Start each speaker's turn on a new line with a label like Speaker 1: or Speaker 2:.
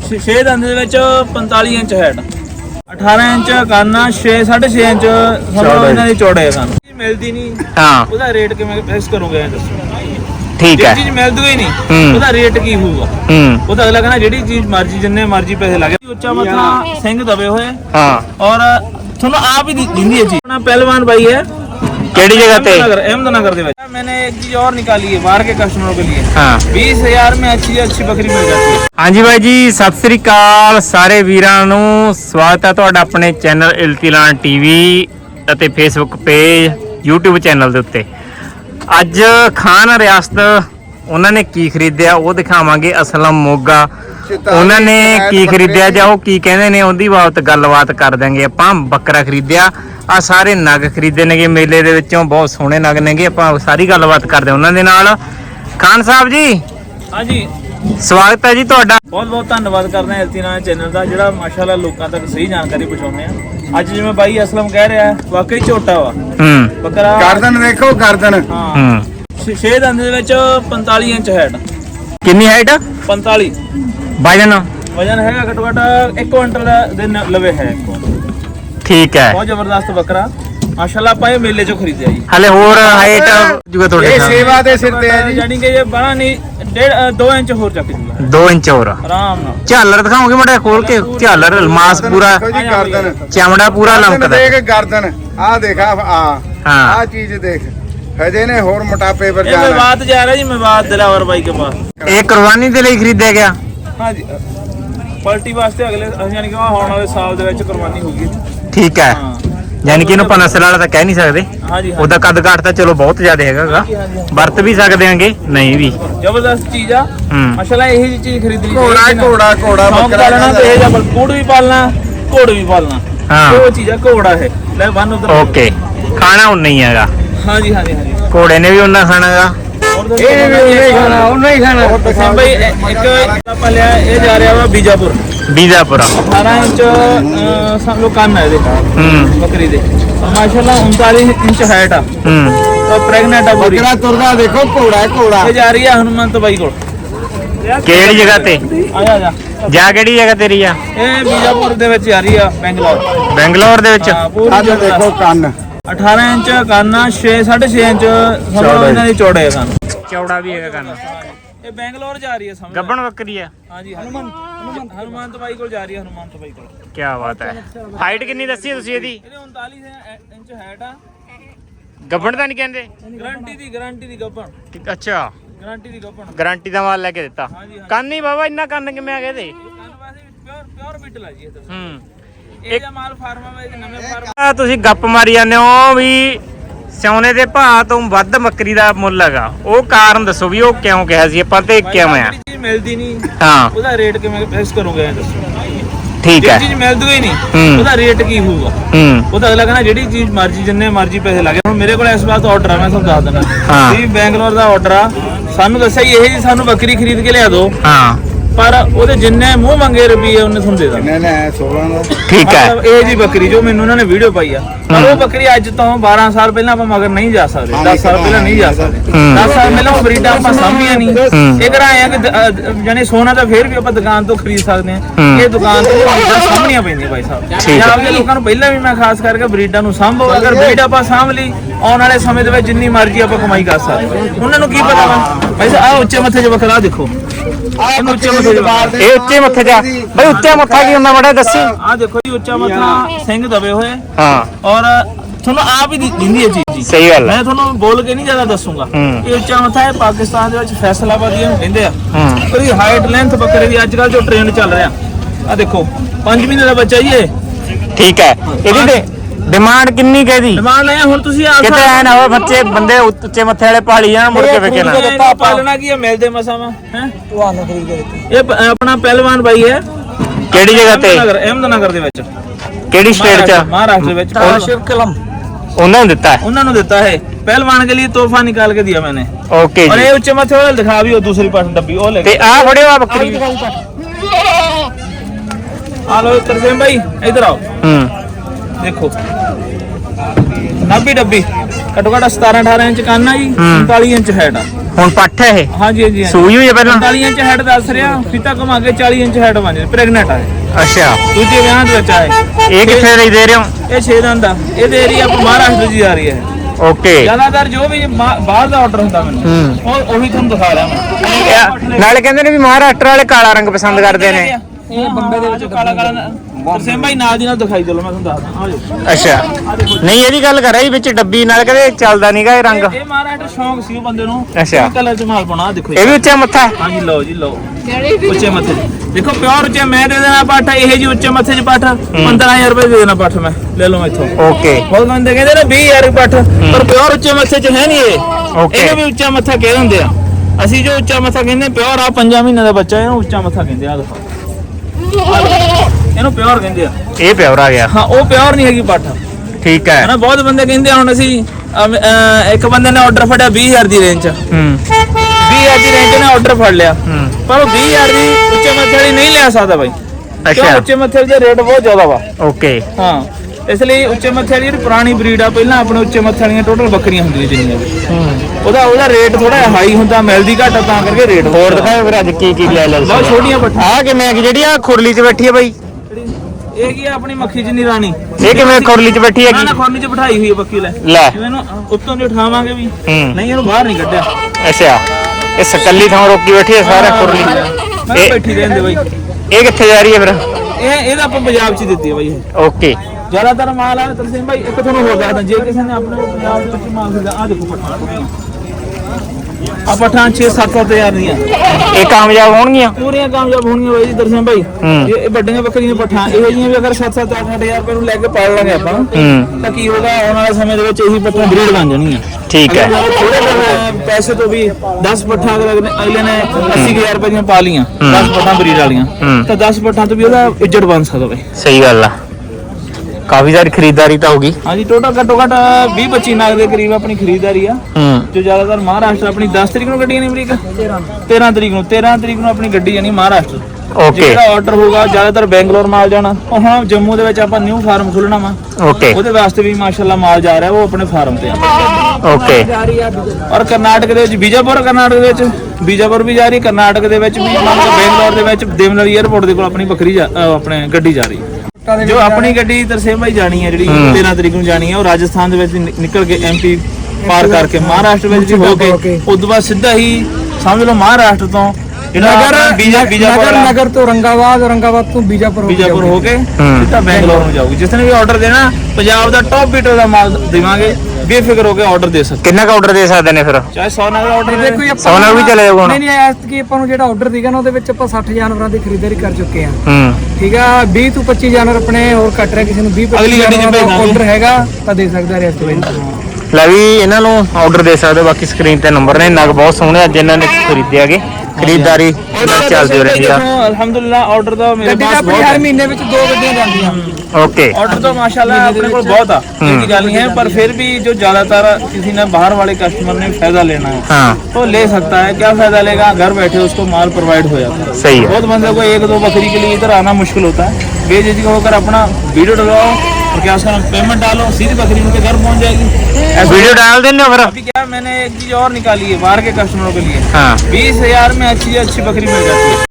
Speaker 1: 6 ਦੰਦ ਦੇ ਵਿੱਚ 45 ਇੰਚ ਹੈਡ, 18 ਇੰਚ ਕੰਨ, 6.5 ਇੰਚ ਇਹਨਾਂ ਦੀ ਚੌੜੇ ਕੰਨ। ਮਿਲਦੀ ਨਹੀਂ
Speaker 2: ਹਾਂ,
Speaker 1: ਉਹਦਾ ਰੇਟ ਕਿਵੇਂ ਫਿਕਸ ਕਰੋਗੇ ਇਹ ਦੱਸੋ।
Speaker 2: ਠੀਕ ਹੈ,
Speaker 1: ਚੀਜ਼ ਮਿਲ ਦੂਗੀ ਨਹੀਂ ਉਹਦਾ ਰੇਟ ਕੀ ਹੋਊਗਾ। ਉਹ ਤਾਂ ਅਗਲਾ ਕਹਿੰਦਾ ਜਿਹੜੀ ਚੀਜ਼ ਮਰਜ਼ੀ ਜਿੰਨੇ ਮਰਜ਼ੀ ਪੈਸੇ ਲੱਗੇ। ਉੱਚਾ ਮੱਥਾ, ਸਿੰਘ ਦਬੇ ਹੋਏ, ਹਾਂ, ਔਰ ਤੁਹਾਨੂੰ ਆਪ ही दिंदी है चीज। अपना पहलवान भाई है,
Speaker 2: केड़ी जगह पे?
Speaker 1: अहमदनगर में। मैंने एक चीज और निकाली है बाहर के कस्टमरों के लिए।
Speaker 2: हाँ,
Speaker 1: 20,000 में अच्छी बकरी मिल जाती है।
Speaker 2: हाँ जी भाई जी, सत श्री अकाल सारे वीरां नूं। स्वागत है तुहाडा अपने चैनल इल्तिलान टीवी ਅਤੇ फेसबुक पेज यूट्यूब चैनल ਦੇ ਉੱਤੇ। ਅੱਜ ਖਾਨ ਰਿਆਸਤ ਉਹਨਾਂ ਨੇ ਕੀ ਖਰੀਦਿਆ ਉਹ ਦਿਖਾਵਾਂਗੇ। ਅਸਲਮ ਮੋਗਾ ਉਹਨਾਂ ਨੇ ਕੀ ਖਰੀਦਿਆ ਜਾਂ ਉਹ ਕੀ ਕਹਿੰਦੇ ਨੇ ਉਹਦੀ ਬਾਬਤ ਗੱਲਬਾਤ ਕਰ ਦਾਂਗੇ ਆਪਾਂ। ਬੱਕਰਾ ਖਰੀਦਿਆ, ਆ ਸਾਰੇ ਨਗ ਖਰੀਦੇ ਨੇਗੇ ਮੇਲੇ ਦੇ ਵਿੱਚੋਂ, ਬਹੁਤ ਸੋਹਣੇ ਨਗ ਨੇਗੇ। ਆਪਾਂ ਸਾਰੀ ਗੱਲਬਾਤ ਕਰਦੇ ਉਹਨਾਂ ਦੇ ਨਾਲ। ਖਾਨ ਸਾਹਿਬ ਜੀ,
Speaker 1: ਹਾਂਜੀ
Speaker 2: ਸਵਾਗਤ ਹੈ ਜੀ ਤੁਹਾਡਾ।
Speaker 1: ਬਹੁਤ ਬਹੁਤ ਧੰਨਵਾਦ ਕਰਦੇ ਹਾਂ ਇਲਤੀਲਾਨ ਚੈਨਲ ਦਾ, ਜਿਹੜਾ ਮਾਸ਼ਾਅੱਲਾ ਲੋਕਾਂ ਤੱਕ ਸਹੀ ਜਾਣਕਾਰੀ ਪਹੁੰਚਾਉਂਦੇ ਆ। ਅੱਜ ਜਿਵੇਂ ਬਾਈ ਅਸਲਮ ਕਹਿ ਰਿਹਾ ਵਾਕਈ ਝੋਟਾ ਵਾ ਬੱਕਰਾ।
Speaker 3: ਗਰਦਨ ਦੇਖੋ, ਗਰਦਨ
Speaker 1: 6 ਦੰਦ ਦੇ ਵਿੱਚ 45 ਇੰਚ ਹੈਡ।
Speaker 2: ਕਿੰਨੀ ਹਾਈਟ?
Speaker 1: 45।
Speaker 2: ਵਜਨ
Speaker 1: ਹੈਗਾ ਘੱਟੋ ਘੱਟ 1 ਕੁਇੰਟਲ ਦੇ ਲਵੇ ਹੈ।
Speaker 2: ਠੀਕ ਹੈ,
Speaker 1: ਬਹੁਤ ਜ਼ਬਰਦਸਤ ਬੱਕਰਾ ਮਾਸ਼ਾਅੱਲਾ। ਆਪਾਂ ਇਹ ਮੇਲੇ ਚੋਂ ਖਰੀਦਿਆ ਜੀ।
Speaker 2: ਹਲੇ ਹੋਰ ਹਾਈਟ ਜੂਗਾ ਤੁਹਾਡੇ
Speaker 3: ਇਹ ਸੇਵਾ ਦੇ ਸਿਰ ਤੇ ਹੈ ਜੀ।
Speaker 1: ਯਾਨੀ ਕਿ ਇਹ ਬੜਾ ਨਹੀਂ 2 ਇੰਚ ਹੋਰ ਚੱਕ ਜੂਗਾ,
Speaker 2: 2 ਇੰਚ ਹੋਰ
Speaker 1: ਆਰਾਮ ਨਾਲ।
Speaker 2: ਝਾਲਰ ਦਿਖਾਓਗੇ ਮੜਾ ਖੋਲ ਕੇ? ਝਾਲਰ ਅਲਮਾਸ ਪੂਰਾ,
Speaker 3: ਦੇਖੋ ਜੀ ਗਰਦਨ,
Speaker 2: ਚਮੜਾ ਪੂਰਾ ਲਮਕਦਾ।
Speaker 3: ਦੇਖ ਗਰਦਨ, ਆ ਦੇਖਾ
Speaker 2: ਹਾਂ,
Speaker 3: ਆ ਚੀਜ਼ ਦੇਖ। ਹਜੇ ਨੇ ਹੋਰ ਮੋਟਾਪੇ ਪਰ
Speaker 1: ये
Speaker 3: ਜਾਣਾ।
Speaker 1: मेवात जा रहा है जी, मेवात दिलावर भाई के पास।
Speaker 2: ਇਹ ਕੁਰਬਾਨੀ ਦੇ ਲਈ ਖਰੀਦਿਆ ਗਿਆ?
Speaker 1: हाँ जी, पलटी वास्ते अगले यानी कि आने वाले साल दे विच कुर्बानी होगी।
Speaker 2: ਠੀਕ ਹੈ, ਯਾਨੀ ਕਿ ਇਹਨੂੰ ਆਪਾਂ ਨਸਲ ਵਾਲਾ ਤਾਂ ਕਹਿ ਨਹੀਂ ਸਕਦੇ।
Speaker 1: हाँ जी,
Speaker 2: ਉਹਦਾ ਕੱਦ ਕਾਠ ਤਾਂ ਚਲੋ ਬਹੁਤ ਜ਼ਿਆਦਾ ਹੈਗਾਗਾ, ਵਰਤ ਵੀ ਸਕਦੇ ਆਂਗੇ ਨਹੀਂ ਵੀ।
Speaker 1: जबरदस्त चीज आ माशाल्लाह। यही जी चीज खरीदनी
Speaker 3: घोड़ा
Speaker 1: बकरा लेना तो ये जब कूड़ भी पालना, घोड़ भी पालना।
Speaker 2: हाँ,
Speaker 1: वो चीज है घोड़ा है। ले वन उधर।
Speaker 2: ਓਕੇ, ਖਾਣਾ ਉਨਾ ਹੀ ਹੈਗਾ।
Speaker 1: हाँ जी, हाँ जी, हाँ जी।
Speaker 2: ਘੋੜੇ ਨੇ ਵੀ ਉਨਾ ਖਾਣਾਗਾ।
Speaker 3: ਇਹ ਵੀ ਉਹਨੇ ਖਾਣਾ, ਉਹਨੇ ਹੀ ਖਾਣਾ।
Speaker 1: हुसैन भाई एक ਆਪਾਂ ਲਿਆ ਇਹ ਜਾ ਰਿਹਾ ਵਾ ਬੀਜਾਪੁਰ।
Speaker 2: ਬੀਜਾਪੁਰਾ
Speaker 1: 18 ਇੰਚ ਸਮਝੋ ਕੰਨ ਹੈ ਇਹਦੇ ਬੱਕਰੀ ਦੇ। ਮਾਸ਼ਾਅੱਲਾ 39 ਇੰਚ ਹਾਈਟ ਆ। ਪ੍ਰੈਗਨੈਂਟ ਆ ਪੂਰੀ।
Speaker 3: ਬੱਕਰਾ ਤੁਰਦਾ ਦੇਖੋ, ਘੋੜਾ ਹੈ ਘੋੜਾ।
Speaker 1: ਇਹ ਜਾ ਰਹੀ ਹੈ ਹਨੂੰਮੰਤ ਬਾਈ ਕੋਲ।
Speaker 2: ਕਿਹੜੀ ਜਗ੍ਹਾ ਤੇ?
Speaker 1: ਆ ਜਾ
Speaker 2: ਜਾ ਕਿਹੜੀ ਜਗ੍ਹਾ ਤੇਰੀ ਆ?
Speaker 1: ਇਹ ਬੀਜਾਪੁਰ ਦੇ ਵਿੱਚ ਜਾ ਰਹੀ ਆ, ਬੈਂਗਲੌਰ।
Speaker 2: ਬੈਂਗਲੌਰ ਦੇ ਵਿੱਚ?
Speaker 3: ਕੰਨ ਦੇਖੋ, ਕੰਨ
Speaker 1: 18 ਇੰਚ ਕੰਨ, 6.5 ਇੰਚ ਸਮਝੋ ਇਹਨਾਂ ਦੀ ਚੌੜੇ ਕੰਨ।
Speaker 2: ਚੌੜਾ ਵੀ ਹੈਗਾ ਕੰਨ।
Speaker 1: ਇਹ ਬੈਂਗਲੌਰ ਜਾ ਰਹੀ ਹੈ ਸਮਝ।
Speaker 2: ਗੱਬਣ ਬੱਕਰੀ ਆ?
Speaker 1: ਹਾਂਜੀ, ਹਨੂੰਮੰਤ ਬਾਈ ਕੋਲ ਜਾ ਰਹੀ ਹੈ, ਹਨੂੰਮੰਤ ਬਾਈ ਕੋਲ।
Speaker 2: ਕੀ ਬਾਤ ਹੈ। ਹਾਈਟ ਕਿੰਨੀ ਦੱਸੀ ਤੁਸੀਂ ਇਹਦੀ?
Speaker 1: ਇਹਦੇ 39 ਇੰਚ ਹਾਈਟ ਆ।
Speaker 2: ਗੱਬਣ ਤਾਂ ਨਹੀਂ ਕਹਿੰਦੇ?
Speaker 1: ਗਾਰੰਟੀ ਦੀ ਗੱਭਣ।
Speaker 2: ਅੱਛਾ,
Speaker 1: ਗਾਰੰਟੀ ਦੀ ਗੱਭਣ।
Speaker 2: ਗਾਰੰਟੀ ਦਾ ਮਾਲ ਲੈ ਕੇ ਦਿੱਤਾ। ਕੰਨ ਹੀ ਬਾਬਾ ਇੰਨਾ ਕੰਨ ਕਿਵੇਂ ਆ ਗਏ ਇਹਦੇ?
Speaker 1: ਕੰਨ ਵਾਸਤੇ ਪਿਓਰ ਬਿੱਟਲ ਆ ਜੀ ਇਹ ਤਾਂ।
Speaker 2: ਇੱਕ
Speaker 1: ਇਹ ਮਾਲ ਫਾਰਮਾਂ ਵਿੱਚ ਨਵੇਂ ਫਾਰਮ।
Speaker 2: ਤੁਸੀਂ ਗੱਪ ਮਾਰੀ ਜਾਂਦੇ ਹੋ ਵੀ ਸੋਨੇ ਦੇ ਭਾਅ ਤੋਂ ਵੱਧ ਬੱਕਰੀ ਦਾ ਮੁੱਲ ਹੈਗਾ, ਉਹ ਕਾਰਨ ਦੱਸੋ ਵੀ ਉਹ ਕਿਉਂ ਕਿਹਾ ਸੀ ਆਪਾਂ ਤੇ ਕਿਵੇਂ ਆ?
Speaker 1: ਚੀਜ਼ ਮਿਲਦੀ ਨਹੀਂ,
Speaker 2: ਹਾਂ,
Speaker 1: ਉਹਦਾ ਰੇਟ ਕਿਵੇਂ ਫਿਕਸ ਕਰੋਗੇ ਇਹ ਦੱਸੋ।
Speaker 2: ਠੀਕ ਹੈ,
Speaker 1: ਚੀਜ਼ ਮਿਲ ਦੂਗੀ ਨਹੀਂ ਉਹਦਾ ਰੇਟ ਕੀ ਹੋਊਗਾ। ਉਹ ਤਾਂ ਅਗਲਾ ਕਹਿੰਦਾ ਜਿਹੜੀ ਚੀਜ਼ ਮਰਜ਼ੀ ਜਿੰਨੇ ਮਰਜ਼ੀ ਪੈਸੇ ਲੱਗੇ। ਹੁਣ ਮੇਰੇ ਕੋਲ ਇਸ ਵਾਰ ਤਾਂ ਆਰਡਰ ਆ, ਮੈਂ ਤੁਹਾਨੂੰ ਦੱਸ ਦਿੰਦਾ ਵੀ ਬੈਂਗਲੌਰ ਦਾ ਆਰਡਰ ਆ। ਸਾਨੂੰ ਦੱਸਿਆ ਇਹ ਜੀ ਸਾਨੂੰ ਬੱਕਰੀ ਖਰੀਦ ਕੇ ਲਿਆ ਦਿਓ,
Speaker 2: ਹਾਂ,
Speaker 1: ਪਰ ਉਹਦੇ ਜਿੰਨੇ ਮੂੰਹ ਮੰਗੇ ਰੁਪਏ ਉਹਨੇ ਤੁਹਾਨੂੰ ਦੇ ਦਾਂ।
Speaker 3: ਨੇ 16 ਦਾ।
Speaker 2: ਠੀਕ ਹੈ।
Speaker 1: ਇਹ ਜੀ ਬੱਕਰੀ ਜੋ ਮੈਨੂੰ ਉਹਨਾਂ ਨੇ ਵੀਡੀਓ ਪਾਈ ਆ, ਪਰ ਉਹ ਬੱਕਰੀ ਅੱਜ ਤੋਂ 12 ਸਾਲ ਪਹਿਲਾਂ ਆਪਾਂ ਮਗਰ ਨਹੀਂ ਜਾ ਸਕਦੇ, 10 ਸਾਲ ਪਹਿਲਾਂ ਨਹੀਂ ਜਾ ਸਕਦੇ। 10 ਸਾਲ ਪਹਿਲਾਂ ਉਹ ਬਰੀਡਾਂ ਆਪਾਂ ਸਾਂਭੀਆਂ ਨਹੀਂ। ਇਹ ਕਰਾਇਆ ਕਿ ਜਾਨੀ ਸੋਨਾ ਤਾਂ ਫੇਰ ਵੀ ਆਪਾਂ ਦੁਕਾਨ ਤੋਂ ਖਰੀਦ ਸਕਦੇ ਹਾਂ, ਇਹ ਦੁਕਾਨ ਤੋਂ ਬਰੀਡਾਂ ਸਾਂਭਣੀਆਂ ਪੈਂਦੀਆਂ ਭਾਈ ਸਾਹਿਬ। ਪੰਜਾਬ ਦੇ ਲੋਕਾਂ ਨੂੰ ਪਹਿਲਾਂ ਵੀ ਮੈਂ ਖਾਸ ਕਰਕੇ ਬਰੀਡਾਂ ਨੂੰ ਸਾਂਭੋ। ਅਗਰ ਬਰੀਡ ਆਪਾਂ ਸਾਂਭ ਲਈ, ਆਉਣ ਵਾਲੇ ਸਮੇਂ ਦੇ ਵਿੱਚ ਜਿੰਨੀ ਮਰਜ਼ੀ ਆਪਾਂ ਕਮਾਈ ਕਰ ਸਕਦੇ। ਉਹਨਾਂ ਨੂੰ ਕੀ ਪਤਾ ਵਾ ਭਾਈ ਸਾਹਿਬ। ਆਹ ਉੱਚੇ ਮੱਥੇ 'ਚ ਬੱਕਰਾ ਦੇਖੋ, ਇਹਨੂੰ ਉੱਚੇ ਮੱਥੇ 'ਚ
Speaker 2: ਇਹ ਉੱਚੇ ਮੱਥੇ ਜਾ ਬਈ, ਉੱਚਾ ਮੱਥਾ ਕੀ ਹੁੰਦਾ ਬੜਾ ਦੱਸੀ।
Speaker 1: ਆਹ ਦੇਖੋ ਜੀ ਉੱਚਾ ਮੱਥਾ, ਸਿੰਘ ਦਬੇ ਹੋਏ,
Speaker 2: ਹਾਂ,
Speaker 1: ਔਰ ਤੁਹਾਨੂੰ ਆਪ ਹੀ ਦਿੰਦੀ ਹੈ ਚੀਜ਼।
Speaker 2: ਸਹੀ ਗੱਲ ਹੈ,
Speaker 1: ਮੈਂ ਤੁਹਾਨੂੰ ਬੋਲ ਕੇ ਨਹੀਂ ਜ਼ਿਆਦਾ ਦੱਸੂਗਾ। ਇਹ ਉੱਚਾ ਮੱਥਾ ਹੈ, ਪਾਕਿਸਤਾਨ ਦੇ ਵਿੱਚ ਫੈਸਲਾਬਾਦੀ ਇਹਨੂੰ ਕਹਿੰਦੇ ਆ। ਉਹਦੀ ਹਾਈਟ ਲੈਂਥ ਬੱਕਰੇ ਦੀ ਅੱਜ ਕੱਲ ਜੋ ਟ੍ਰੈਂਡ ਚੱਲ ਰਿਹਾ, ਆ ਦੇਖੋ 5 ਮਹੀਨੇ ਦਾ ਬੱਚਾ ਜੀ ਇਹ।
Speaker 2: ਠੀਕ ਹੈ। ਇਹਦੀ ਡਿਮਾਂਡ ਕਿੰਨੀ ਕਹਿਦੀ?
Speaker 1: ਡਿਮਾਂਡ ਹੈ ਹੁਣ ਤੁਸੀਂ ਆਪ
Speaker 2: ਕਿਤੇ ਐ ਨਾ ਹੋਵੇ ਬੱਚੇ ਬੰਦੇ ਉੱਚੇ ਮੱਥੇ ਵਾਲੇ ਪਾਲੀ ਜਾਣ ਮੁੜ ਕੇ ਵੇਖੇ ਨਾ।
Speaker 1: ਪਾਲਣਾ ਕੀ ਹੈ, ਮਿਲਦੇ ਮਸਾਵਾ ਹੈ। ਇਹ ਆਪਣਾ ਪਹਿਲਵਾਨ ਬਾਈ ਹੈ।
Speaker 2: ਕਿਹੜੀ ਜਗ੍ਹਾ ਤੇ?
Speaker 1: ਅਹਿਮਦਨਗਰ ਦੇ ਵਿੱਚ।
Speaker 2: ਕਿਹੜੀ ਸਟੇਟ 'ਚ?
Speaker 1: महाराष्ट्र में।
Speaker 2: ਉਹਨਾਂ ਨੂੰ ਦਿੱਤਾ ਹੈ?
Speaker 1: उन्होंने देता है पहलवान के लिए तोहफा निकाल के दिया मैंने।
Speaker 2: ਓਕੇ
Speaker 1: और
Speaker 2: ਜੀ।
Speaker 1: ये उच्च मथे वाले दिखा भी हो दूसरी पास डब्बी वो ले
Speaker 2: ਤੇ ਆ ਫੜਿਓ ਆ ਬੱਕਰੀ।
Speaker 1: आ लो तरसेम भाई इधर आओ, देखो नब्बी डब्बी घट्टो घट 17-18 इंच कान है जी, 39 इंच हैड आ।
Speaker 2: ਹੁਣ ਪੱਠ ਹੈ ਇਹ
Speaker 1: ਹਾਂਜੀ ਹਾਂਜੀ
Speaker 2: ਸੂਈ ਹੋਈ ਹੈ ਪਹਿਲਾਂ
Speaker 1: 45 ਇੰਚ ਹੈਡ ਦੱਸ ਰਿਹਾ, ਫੀਤਾ ਘੁਮਾ ਕੇ 40 ਇੰਚ ਹੈਡ ਬਣ ਜਾਏ, ਪ੍ਰੈਗਨੈਂਟ ਆ ਇਹ।
Speaker 2: ਅੱਛਾ
Speaker 1: ਦੂਜੇ ਵਿਆਹ ਦੇ ਵਿੱਚ ਆਏ।
Speaker 2: ਇਹ ਕਿੱਥੇ ਲਈ ਦੇ ਰਹੇ ਹੋ?
Speaker 1: ਇਹ 6 ਦਿਨ ਦਾ, ਇਹਦੇ ਏਰੀਆ ਆਪਾਂ ਮਹਾਰਾਸ਼ਟਰ ਜੀ ਆ ਰਹੀ ਹੈ।
Speaker 2: ਓਕੇ
Speaker 1: ਜ਼ਿਆਦਾਤਰ ਜੋ ਵੀ ਬਾਹਰ ਦਾ ਆਰਡਰ ਹੁੰਦਾ ਮੈਨੂੰ ਉਹ ਉਹੀ ਤੁਹਾਨੂੰ ਦਿਖਾ ਰਿਹਾ ਮੈਂ।
Speaker 2: ਨਾਲੇ ਕਹਿੰਦੇ ਨੇ ਵੀ ਮਹਾਰਾਸ਼ਟਰ ਵਾਲੇ ਕਾਲਾ ਰੰਗ ਪਸੰਦ ਕਰਦੇ ਨੇ।
Speaker 1: ਇਹ ਬੰਬੇ ਦੇ ਵਿੱਚ ਕਾਲਾ ਕਾਲਾ ਤਰਸੇਮ ਭਾਈ ਨਾਲ ਦੀ ਨਾਲ ਦਿਖਾਈ ਚਲੋ, ਮੈਂ ਤੁਹਾਨੂੰ ਦੱਸਦਾ। ਆ ਜਾਓ।
Speaker 2: ਅੱਛਾ ਨਹੀਂ ਇਹਦੀ ਗੱਲ ਕਰ ਰਹੀ ਵਿੱਚ ਡੱਬੀ ਨਾਲ ਕਹਿੰਦੇ ਚੱਲਦਾ ਨਹੀਂਗਾ ਇਹ ਰੰਗ।
Speaker 1: ਇਹ ਮਹਾਰਾਸ਼ਟਰ ਸ਼ੌਂਕ ਸੀ ਉਹ ਬੰਦੇ ਨੂੰ।
Speaker 2: ਅੱਛਾ
Speaker 1: ਕਲਰ ਚ ਮਾਲ ਪਾਉਣਾ, ਆਹ ਦੇਖੋ
Speaker 2: ਇਹ ਵੀ ਉੱਚਾ ਮੱਥਾ?
Speaker 1: ਹਾਂਜੀ ਲਓ ਜੀ ਲਓ, ਉੱਚੇ ਮੱਥੇ ਦੇਖੋ ਪਿਓਰ ਉੱਚੇ। ਮੈਂ ਦੇ ਦੇਣਾ ਪਾਠਾ ਇਹ ਜੀ ਉੱਚੇ ਮੱਥੇ ਚ ਪਾਠਾ 15000 ਰੁਪਏ ਦੇ ਦੇਣਾ ਪਾਠਾ, ਮੈਂ ਲੈ ਲਵਾਂ ਇੱਥੋਂ।
Speaker 2: ਓਕੇ
Speaker 1: ਬਹੁਤ ਬੰਦੇ ਕਹਿੰਦੇ ਨੇ 20000 ਪਾਠਾ, ਪਰ ਪਿਓਰ ਉੱਚੇ ਮੱਥੇ ਚ ਹੈ ਨਹੀਂ ਇਹ।
Speaker 2: ਓਕੇ
Speaker 1: ਇਹਨੂੰ ਵੀ ਉੱਚਾ ਮੱਥਾ ਕਹਿ ਦਿੰਦੇ ਆ ਅਸੀਂ। ਜੋ ਉੱਚਾ ਮੱਥਾ ਕਹਿੰਦੇ ਪਿਓਰ ਆ 5 ਮਹੀਨੇ ਦਾ ਬੱਚਾ, ਇਹਨੂੰ ਉੱਚਾ ਮੱਥਾ ਕਹਿੰਦੇ ਆ। ਦੇਖੋ ਇਹਨੂੰ ਪਿਓਰ ਕਹਿੰਦੇ ਆ।
Speaker 2: ਇਹ ਪਿਓਰ ਆ ਗਿਆ।
Speaker 1: ਹਾਂ ਉਹ ਪਿਓਰ ਨਹੀਂ ਹੈਗੀ ਪਾਠਾ।
Speaker 2: ਠੀਕ ਹੈ
Speaker 1: ਹਨਾ ਬਹੁਤ ਬੰਦੇ ਕਹਿੰਦੇ ਹੁਣ ਅਸੀਂ ਇੱਕ ਬੰਦੇ ਨੇ ਆਰਡਰ ਫੜਿਆ 20000 ਦੀ ਰੇਂਜ ਚ, 20000 ਦੀ ਰੇਂਜ ਨੇ ਆਰਡਰ ਫੜ ਲਿਆ, ਪਰ ਉਹ 20000 ਦੀ ਉੱਚੇ ਮੱਥੇ ਵਾਲੀ ਨਹੀਂ ਲਿਆ ਸਕਦਾ ਬਾਈ।
Speaker 2: ਅੱਛਾ
Speaker 1: ਉੱਚੇ ਮੱਥੇ ਦੇ ਰੇਟ ਬਹੁਤ ਜ਼ਿਆਦਾ ਵਾ।
Speaker 2: ਓਕੇ
Speaker 1: ਹਾਂ ਇਸ ਲਈ ਉੱਚੇ ਮੱਥੇ ਵਾਲੀ ਜਿਹੜੀ ਪੁਰਾਣੀ ਬਰੀਡ ਆ, ਪਹਿਲਾਂ ਆਪਣੇ ਉੱਚੇ ਮੱਥੇ ਵਾਲੀਆਂ ਟੋਟਲ ਬੱਕਰੀਆਂ ਹੁੰਦੀਆਂ ਜਿੰਨੀਆਂ ਉਹਦਾ ਰੇਟ ਥੋੜਾ ਹਾਈ ਹੁੰਦਾ, ਮਿਲਦੀ ਘੱਟ, ਤਾਂ ਕਰਕੇ ਰੇਟ
Speaker 2: ਹੋਰ ਦਿਖਾਓ ਫਿਰ ਅੱਜ ਕੀ ਕੀ ਲੈ ਲੈ।
Speaker 1: ਬਹੁਤ ਛੋਟੀਆਂ ਪੱਠਾਂ।
Speaker 2: ਆ ਕਿਵੇਂ ਜਿਹੜੀ ਆ ਖੁਰਲੀ 'ਚ ਬੈਠੀ ਹੈ ਬਾਈ?
Speaker 1: ਇਹ ਕੀ ਆ ਆਪਣੀ ਮੱਖੀ ਜਿੰਨੀ ਰਾਣੀ।
Speaker 2: ਇਹ ਕਿਵੇਂ ਖੁਰਲੀ 'ਚ ਬੈਠੀ
Speaker 1: ਨਾ
Speaker 2: ਹੈਗੀ?
Speaker 1: ਨਾ ਖੋਰਨੀ ਚ ਬਿਠਾਈ ਹੋਈ ਹੈ ਬੱਕੀ। ਲੈ ਇਹਨੂੰ ਉੱਤੋਂ ਦੀ ਉਠਾਵਾਂਗੇ ਵੀ ਨਹੀਂ, ਇਹਨੂੰ ਬਾਹਰ ਨਹੀਂ ਕੱਢਿਆ।
Speaker 2: ਅੱਛਾ ਇਹ ਸਕੱਲੀ ਥਾਂ ਰੋਕੀ ਬੈਠੀ ਹੈ ਸਾਰਾ ਖੁਰਲੀ।
Speaker 1: ਮੈਂ ਬੈਠੀ ਰਹਿੰਦੇ ਬਾਈ।
Speaker 2: ਇਹ ਕਿੱਥੇ ਜਾ ਰਹੀ ਹੈ ਫਿਰ?
Speaker 1: ਇਹਦਾ ਆਪਾਂ ਪੰਜਾਬ 'ਚ ਹੀ ਦਿੱਤੀ ਹੈ ਬਾਈ।
Speaker 2: ਓਕੇ
Speaker 1: ਜ਼ਿਆਦਾਤਰ ਮਾਲ ਆ ਤਰਸੇਮ ਭਾਈ। ਇੱਕ ਤੁਹਾਨੂੰ ਹੋਰ ਦੱਸਦਾ, ਜੇ ਕਿਸੇ ਨੇ ਆਪਣੇ ਕੋਲ ਪੰਜਾਬ ਦੇ ਵਿੱਚ ਮਾਲ ਖਰੀਦਿਆ, ਆਹ ਦੇਖੋ ਪੱਠਾਂ ਆ ਪੱਠਾਂ 6-7 ਹਜ਼ਾਰ ਦੀਆਂ
Speaker 2: ਇਹ ਕਾਮਯਾਬ ਹੋਣਗੀਆਂ?
Speaker 1: ਪੂਰੀਆਂ ਕਾਮਯਾਬ ਹੋਣਗੀਆਂ ਬਾਈ ਜੀ ਤਰਸੇਮ ਭਾਈ। ਇਹ ਵੱਡੀਆਂ ਬੱਕਰੀਆਂ ਪੱਠਾਂ ਇਹੋ ਜਿਹੀਆਂ ਵੀ ਅਗਰ 7-8 ਹਜ਼ਾਰ ਰੁਪਏ ਨੂੰ ਲੈ ਕੇ ਪਾਲ ਲਾਂਗੇ ਆਪਾਂ, ਤਾਂ ਕੀ ਹੋਗਾ ਆਉਣ ਵਾਲੇ ਸਮੇਂ ਦੇ ਵਿੱਚ ਇਹੀ ਪੱਠਾਂ ਬਰੀਡ ਬਣ ਜਾਣਗੀਆਂ।
Speaker 2: ਠੀਕ ਹੈ
Speaker 1: ਥੋੜੇ ਪੈਸੇ ਤੋਂ ਵੀ 10 ਪੱਠਾਂ ਅਗਲੇ ਨੇ 80000 ਰੁਪਏ ਦੀਆਂ ਪਾ ਲੀਆਂ, 10 ਪੱਠਾਂ ਬਰੀਡ ਵਾਲੀਆਂ, ਤਾਂ 10 ਪੱਠਾਂ ਤੋਂ ਵੀ ਉਹਦਾ ਇੱਜ਼ਤ ਬਣ ਸਕਦਾ ਬਾਈ।
Speaker 2: ਸਹੀ ਗੱਲ ਆ, ਕਾਫੀ ਸਾਰੀ ਖਰੀਦਦਾਰੀ ਤਾਂ ਹੋਗੀ।
Speaker 1: ਹਾਂਜੀ ਟੋਟਲ ਘੱਟੋ ਘੱਟ 20-25 ਨਗ ਦੇ ਕਰੀਬ ਆਪਣੀ ਖਰੀਦਦਾਰੀ ਆ। ਜੋ ਜ਼ਿਆਦਾਤਰ ਮਹਾਰਾਸ਼ਟਰ ਆਪਣੀ 10 ਤਰੀਕ ਨੂੰ ਗੱਡੀ ਨਹੀਂ ਅਮਰੀਕਾ, 13 ਤਰੀਕ ਨੂੰ ਆਪਣੀ ਗੱਡੀ ਜਾਣੀ ਮਹਾਰਾਸ਼ਟਰ।
Speaker 2: ਓਕੇ
Speaker 1: ਜਿਹੜਾ ਆਰਡਰ ਹੋਊਗਾ ਜ਼ਿਆਦਾਤਰ ਬੈਂਗਲੌਰ ਮਾਲ ਜਾਣਾ। ਉਹ ਹੁਣ ਜੰਮੂ ਦੇ ਵਿੱਚ ਆਪਾਂ ਨਿਊ ਫਾਰਮ ਖੋਲਣਾ ਵਾ,
Speaker 2: ਓਕੇ
Speaker 1: ਉਹਦੇ ਵਾਸਤੇ ਵੀ ਮਾਸ਼ਾਅੱਲਾ ਮਾਲ ਜਾ ਰਿਹਾ, ਉਹ ਆਪਣੇ ਫਾਰਮ ਤੇ ਆ।
Speaker 2: ਓਕੇ
Speaker 1: ਔਰ ਕਰਨਾਟਕ ਦੇ ਵਿੱਚ ਬੀਜਾਪੁਰ, ਕਰਨਾਟਕ ਦੇ ਵਿੱਚ ਬੀਜਾਪੁਰ ਵੀ ਜਾ ਰਹੀ, ਕਰਨਾਟਕ ਦੇ ਵਿੱਚ ਵੀ ਬੈਂਗਲੌਰ ਦੇ ਵਿੱਚ ਦੇਵਨਗਰੀ 에ਅਰਪੋਰਟ ਦੇ ਕੋਲ ਆਪਣੀ ਬੱਕਰੀ ਆਪਣੇ ਗੱਡੀ ਜਾ ਰਹੀ। ਜੋ ਆਪਣੀ ਗੱਡੀ ਤਰਸੇਮ ਭਾਈ ਜਾਣੀ ਹੈ ਜਿਹੜੀ 13 ਤਰੀਕ ਨੂੰ ਜਾਣੀ ਹੈ, ਉਹ ਰਾਜਸਥਾਨ ਦੇ ਵਿੱਚ ਨਿਕਲ ਕੇ MP ਪਾਰ ਕਰਕੇ ਮਹਾਰਾਸ਼ਟਰ ਵਿੱਚ ਵੀ ਹੋ ਕੇ ਉਸ ਤੋਂ ਬਾਅਦ ਸਿੱਧਾ ਹੀ ਸਮਝ ਲਓ ਮਹਾਰਾਸ਼ਟਰ ਤੋਂ
Speaker 4: नगर तो औरंगाबाद तो बीजापुर
Speaker 1: ਹੋ ਕੇ ਸਿੱਧਾ ਬੈਂਗਲੌਰ ਨੂੰ ਜਾਊਗੀ। ਜਿਸ ਨੇ ਵੀ ਆਰਡਰ ਦੇਣਾ ਪੰਜਾਬ ਦਾ ਟੌਪ ਬੀਟਰ ਦਾ ਮਾਲ ਦੇਵਾਂਗੇ, ਬੇਫਿਕਰ ਹੋ ਕੇ ਆਰਡਰ ਦੇ ਸਕਦੇ।
Speaker 2: ਕਿੰਨਾ ਕ ਆਰਡਰ ਦੇ ਸਕਦੇ ਨੇ ਫਿਰ?
Speaker 1: ਚਾਹੇ 100 ਨਗ ਦਾ ਆਰਡਰ
Speaker 4: ਦੇਖੋ ਜੀ,
Speaker 2: ਸੌ ਨਾਲ ਵੀ ਚਲੇ ਜਾਊਗਾ ਹੁਣ।
Speaker 4: ਨਹੀਂ ਐਤਕੀ ਆਪਾਂ ਨੂੰ ਜਿਹੜਾ ਆਰਡਰ ਸੀਗਾ ਨਾ ਉਹਦੇ ਵਿੱਚ ਆਪਾਂ 60 ਜਾਨਵਰਾਂ ਦੀ ਖਰੀਦਦਾਰੀ ਕਰ ਚੁੱਕੇ ਆ। ਠੀਕ ਆ 20 ਤੋਂ 25 ਜਾਨਵਰ ਆਪਣੇ ਹੋਰ ਕੱਟ ਰਿਹਾ, ਕਿਸੇ ਨੂੰ 20
Speaker 1: ਅਗਲੀ ਗੱਡੀ 'ਚ ਭੇਜਾਂਗੇ।
Speaker 4: ਆਰਡਰ ਹੈਗਾ ਤਾਂ ਦੇ ਸਕਦਾ ਰੈਸਟ ਵਿੱਚ।
Speaker 2: ਲੈ ਵੀ ਇਹਨਾਂ ਨੂੰ ਆਰਡਰ ਦੇ ਸਕਦੇ ਹੋ, ਬਾਕੀ ਸਕਰੀਨ ਤੇ ਨੰਬਰ ਨੇ। ਨਗ ਬਹੁਤ ਸੋਹਣੇ ਅੱਜ ਇਹਨਾਂ ਨੇ ਖਰੀਦੇ ਹੈਗੇ, ਖਰੀਦਦਾਰੀ ਚੱਲਦੀ ਹੋ ਰਹੀ ਆ।
Speaker 1: ਅਲਹਮਦੁਲਿਲਾ ਆਰਡਰ ਦਾ ਮੇਰੇ
Speaker 4: ਗੱਡੀ
Speaker 1: ਪਾਸ
Speaker 4: ਆਪਣੀ ਹਰ ਮਹੀਨੇ ਵਿੱਚ 2 ਗੱਡੀਆਂ ਜਾਂਦੀਆਂ।
Speaker 2: ਓਕੇ
Speaker 1: ਆਰਡਰ ਤਾਂ ਮਾਸ਼ਾਅੱਲਾ ਆਪਣੇ ਕੋਲ ਬਹੁਤ ਆ, ਇਹ ਗੱਲ नहीं है, पर फिर भी जो ज्यादातर किसी ने बाहर वाले कस्टमर ने फायदा लेना है
Speaker 2: हाँ
Speaker 1: तो ले सकता है। क्या फायदा लेगा, घर बैठे उसको माल प्रोवाइड हो जाता है।
Speaker 2: सही है।
Speaker 1: बहुत बंदे को 1-2 बकरी के लिए इधर आना मुश्किल होता है। बेझिझक होकर अपना वीडियो डलवाओ और क्या उसका पेमेंट डालो, सीधी बकरी उनके घर पहुंच जाएगी।
Speaker 2: वीडियो डाल देना फिर।
Speaker 1: अभी क्या मैंने एक चीज और निकाली है बाहर के कस्टमरों के लिए,
Speaker 2: हाँ
Speaker 1: 20,000 में अच्छी बकरी मिल जाती है।